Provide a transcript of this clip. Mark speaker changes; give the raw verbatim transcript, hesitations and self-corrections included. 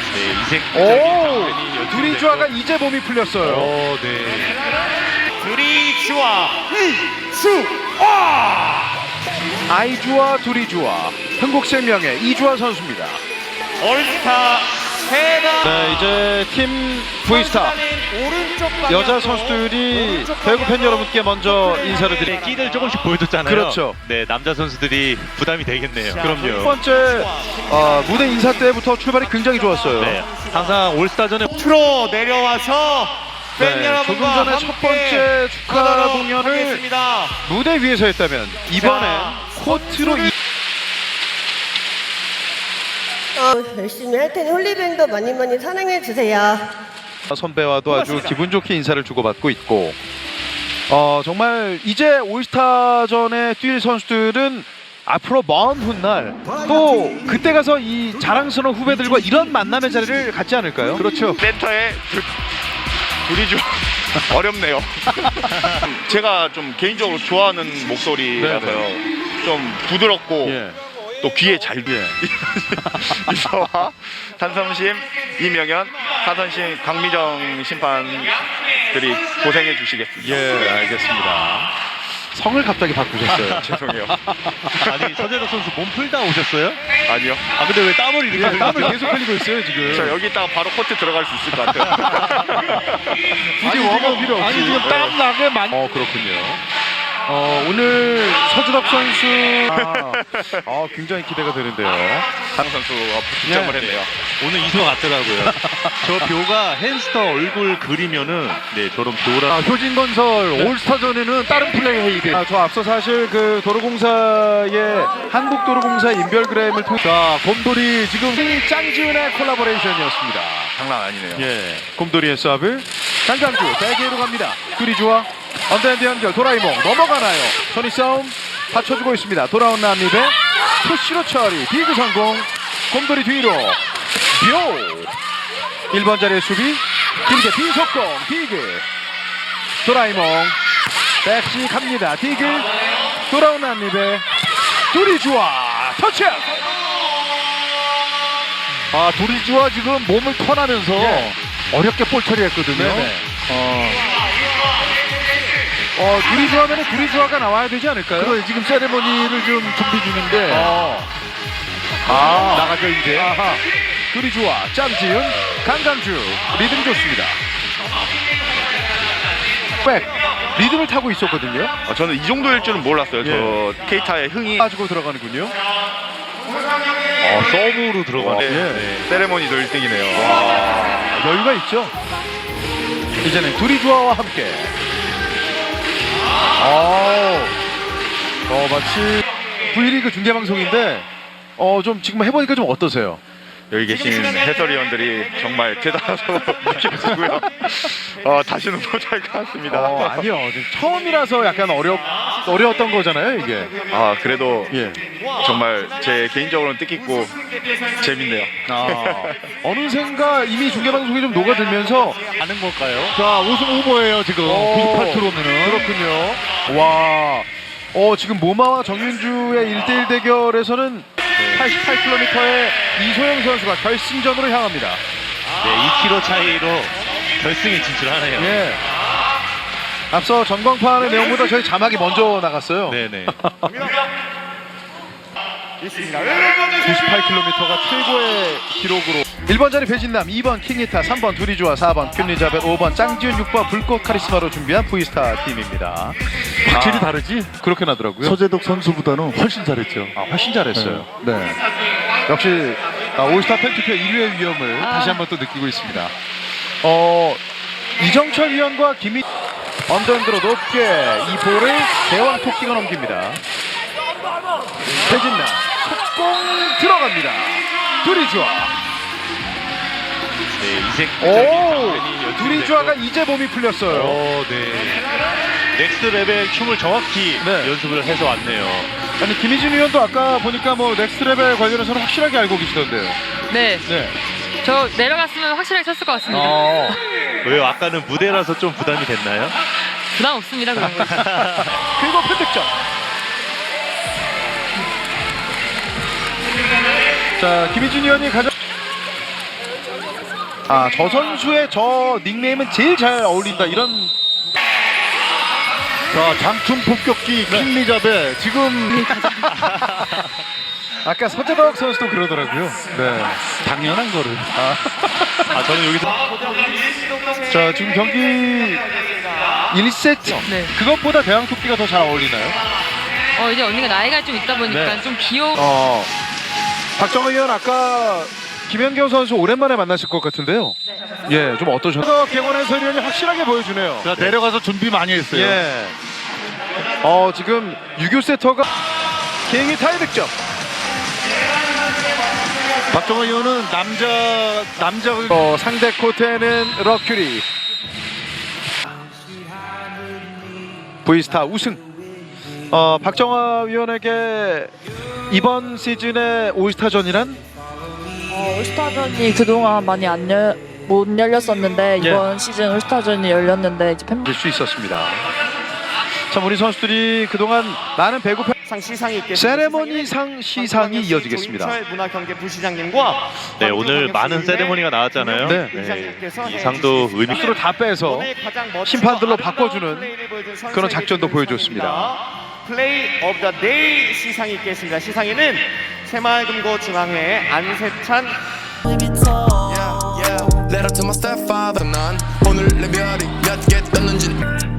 Speaker 1: 네, 이색.
Speaker 2: 오! 두리주아가 이제 몸이 풀렸어요.
Speaker 1: 오, 네.
Speaker 3: 두리주아 이주아
Speaker 2: 아이주아 두리주아 흥국생명의 이주아 선수입니다.
Speaker 3: 올스타 세다.
Speaker 2: 네, 이제 팀 V스타 여자 선수들이 배구 팬 여러분께 먼저 인사를
Speaker 1: 네,
Speaker 2: 드립니다.
Speaker 1: 끼를 조금씩 보여줬잖아요.
Speaker 2: 그렇죠.
Speaker 1: 네, 남자 선수들이 부담이 되겠네요.
Speaker 2: 그럼요. 첫 번째 어, 무대 인사 때부터 출발이 굉장히 좋았어요.
Speaker 1: 네, 항상 올스타 전에
Speaker 3: 프로 내려와서 팬
Speaker 2: 네,
Speaker 3: 여러분과
Speaker 2: 조금 전에
Speaker 3: 함께
Speaker 2: 첫 번째 축하
Speaker 3: 하도록
Speaker 2: 공연을
Speaker 3: 하겠습니다.
Speaker 2: 무대 위에서 했다면 이번엔
Speaker 3: 자,
Speaker 2: 코트로 이...
Speaker 4: 어, 열심히 할 테니 홀리밴드 많이 많이 사랑해 주세요.
Speaker 2: 선배와도 아주 기분 좋게 인사를 주고받고 있고 어, 정말 이제 올스타전에 뛸 선수들은 앞으로 먼 훗날 또 그때 가서 이 자랑스러운 후배들과 이런 만남의 자리를 갖지 않을까요?
Speaker 5: 그렇죠. 센터에 둘이 좀 어렵네요. 제가 좀 개인적으로 좋아하는 목소리라서요. 좀 부드럽고
Speaker 2: 예.
Speaker 5: 또 귀에 잘 들려. 이서와 산성심, 이명현, 하선심, 강미정 심판들이 고생해 주시겠습니다.
Speaker 2: 예, 알겠습니다. 성을 갑자기 바꾸셨어요.
Speaker 5: 죄송해요.
Speaker 1: 아니, 서재덕 선수 몸 풀다 오셨어요?
Speaker 5: 아니요.
Speaker 1: 아, 근데 왜 땀을 이렇게
Speaker 2: 예, 땀을
Speaker 1: 흘리세요?
Speaker 2: 계속 흘리고 있어요 지금.
Speaker 5: 저 여기 있다가 바로 코트 들어갈 수 있을 것 같아요.
Speaker 2: 굳이 워머 필요 없이.
Speaker 5: 아니, 지금 땀
Speaker 2: 나게 만. 어 그렇군요. 어 오늘 서주덕 선수 아, 아, 굉장히 기대가 되는데요.
Speaker 5: 강 선수가 득점을
Speaker 2: 예.
Speaker 5: 했네요.
Speaker 1: 오늘 이소 같더라고요. 저 묘가 햄스터 얼굴 그리면은 네, 저런 묘라.
Speaker 2: 아, 효진건설 올스타전에는 다른 플레이 헤이드. 아, 저 앞서 사실 그 도로공사의 한국도로공사 인별그램을 통해 자 곰돌이 지금 짱지은의 콜라보레이션이었습니다.
Speaker 5: 장난 아니네요.
Speaker 2: 예, 곰돌이의 서브 강강주 대기로 갑니다. 둘이 좋아 언더핸드 연결 도라이몽 넘어가나요? 손이 싸움 받쳐주고 있습니다. 돌아온 남립의 푸시로 처리 디그 성공. 곰돌이 뒤로 묘 일 번 자리의 수비 길게 비속공 디그 도라이몽 백시 갑니다. 디그 돌아온 남립의 둘이 좋아 터치. 아 둘이 좋아 지금 몸을 턴하면서
Speaker 1: 예.
Speaker 2: 어렵게 볼 처리했거든요.
Speaker 1: 네네.
Speaker 2: 어, 어 둘이 좋아하면 둘이 좋아가 나와야 되지 않을까요?
Speaker 1: 그거 지금 세레모니를 좀 준비 중인데.
Speaker 2: 어. 아 나가죠 이제. 아하. 둘이 좋아 짬지은 강강주 리듬 좋습니다. 백 리듬을 타고 있었거든요.
Speaker 5: 아, 저는 이 정도일 줄은 몰랐어요. 저 케이타의 흥이
Speaker 2: 빠지고 들어가는군요.
Speaker 1: 어, 서브로 들어가네.
Speaker 5: 네. 세레모니도 일 등이네요.
Speaker 2: 아, 여유가 있죠. 이제는 둘이 좋아와 함께. 아, 어 마치 V리그 중계 방송인데 어 좀 지금 해보니까 좀 어떠세요?
Speaker 5: 여기 계신 해설위원들이 정말 대단하다고 느껴지고요. 어, 다시는 못할 것 같습니다.
Speaker 2: 어 아니요 지금 처음이라서 약간 어렵 어려웠던 거잖아요 이게.
Speaker 5: 아, 그래도
Speaker 2: 예.
Speaker 5: 정말 제 개인적으로는 뜻깊고 재밌네요.
Speaker 2: 아, 어느샌가 이미 중계 방송이 좀 녹아들면서
Speaker 1: 아는 걸까요?
Speaker 2: 자 우승 후보예요 지금 구십팔 킬로미터면은. 그렇군요. 와, 어 지금 모마와 정윤주의 일 대일 대결에서는 팔십팔 킬로미터의 이소영 선수가 결승전으로 향합니다.
Speaker 1: 네, 이 킬로미터 차이로 결승에 진출하네요.
Speaker 2: 예. 앞서 전광판의 내용보다 저희 자막이 먼저 나갔어요.
Speaker 1: 네네.
Speaker 2: 구십팔 킬로미터가 최고의 기록으로 일 번 자리 배진남, 이 번 킹이타, 삼 번 두리주아, 사 번 큐니자벳, 오 번 짱지은, 육 번 불꽃 카리스마로 준비한 V스타 팀입니다.
Speaker 6: 확실히
Speaker 2: 아,
Speaker 6: 다르지?
Speaker 2: 그렇게 나더라고요.
Speaker 6: 서재덕 선수보다는 훨씬 잘했죠.
Speaker 2: 아, 훨씬 잘했어요.
Speaker 6: 네.
Speaker 2: 역시 아, 올스타 팬투표 일 위의 위험을 다시 한번 또 느끼고 있습니다. 어, 이정철 위원과 김희 언더핸드로 높게 이 볼을 대왕 토끼가 넘깁니다. 배진남 속공 들어갑니다. 둘이 좋아.
Speaker 1: 네, 이색.
Speaker 2: 오, 둘이 좋아가 이제 몸이 풀렸어요.
Speaker 1: 어, 네. 넥스트 레벨 춤을 정확히
Speaker 2: 네.
Speaker 1: 연습을 해서 왔네요.
Speaker 2: 아니 김희진 위원도 아까 보니까 뭐 넥스트 레벨 관련해서는 확실하게 알고 계시던데요.
Speaker 7: 네,
Speaker 2: 네.
Speaker 7: 저 내려갔으면 확실하게 쳤을 것 같습니다.
Speaker 2: 어.
Speaker 1: 왜요? 아까는 무대라서 좀 부담이 됐나요?
Speaker 7: 부담 없습니다, 그런 거.
Speaker 2: 그리고 팬득점. 자, 김희진 위원이 가장 아, 저 선수의 저 닉네임은 제일 잘 어울린다 이런.
Speaker 6: 자, 장충 폭격기 킹리잡에 지금
Speaker 2: 아까 서재덕 선수도 그러더라고요. 네.
Speaker 6: 당연한 거를.
Speaker 1: 아, 저는 여기서
Speaker 2: 자, 지금 경기 일 세트.
Speaker 7: 네.
Speaker 2: 그것보다 대왕토끼가 더 잘 어울리나요?
Speaker 7: 어 이제 언니가 나이가 좀 있다 보니까
Speaker 2: 네.
Speaker 7: 좀 귀여워.
Speaker 2: 어. 박정호 의원 아까 김연경 선수 오랜만에 만나실 것 같은데요. 예, 좀 어떠셨나요? 개원 해설위원이 확실하게 보여주네요.
Speaker 6: 자, 내려가서 준비 많이 했어요.
Speaker 2: 예. 어, 지금 유교 세터가 개인기 타이 득점.
Speaker 6: 박정호 의원은 남자 남자
Speaker 2: 어, 상대 코트에는 러큐리. V스타 우승. 어, 박정화 위원에게 이번 시즌의 올스타전이란
Speaker 8: 어, 올스타전이 그동안 많이 안 열, 못 열렸었는데
Speaker 2: 예.
Speaker 8: 이번 시즌 올스타전이 열렸는데 이제 팬
Speaker 2: 될 수 있었습니다. 참 우리 선수들이 그동안 많은 배구 팬-
Speaker 3: 상 시상이 있겠습니다.
Speaker 2: 세레모니상 시상이 이어지겠습니다.
Speaker 3: 조인철 문화경제 부시장님과
Speaker 1: 네, 오늘 많은 세레모니가 나왔잖아요.
Speaker 2: 네.
Speaker 1: 네, 이 상도 의미.
Speaker 2: 스스로 다 빼서
Speaker 3: 오늘 가장 멋지고
Speaker 2: 심판들로
Speaker 3: 아름다운
Speaker 2: 바꿔주는
Speaker 3: 플레이를 보여준 선수에게
Speaker 2: 그런 작전도
Speaker 3: 주는
Speaker 2: 보여줬습니다.
Speaker 3: 상입니다. 플레이 오브 더 데이 시상이 있겠습니다. 시상에는 새마을금고 중앙회 안세찬
Speaker 9: Letter to my stepfather 난 오늘 내 별이 몇 개 떴는지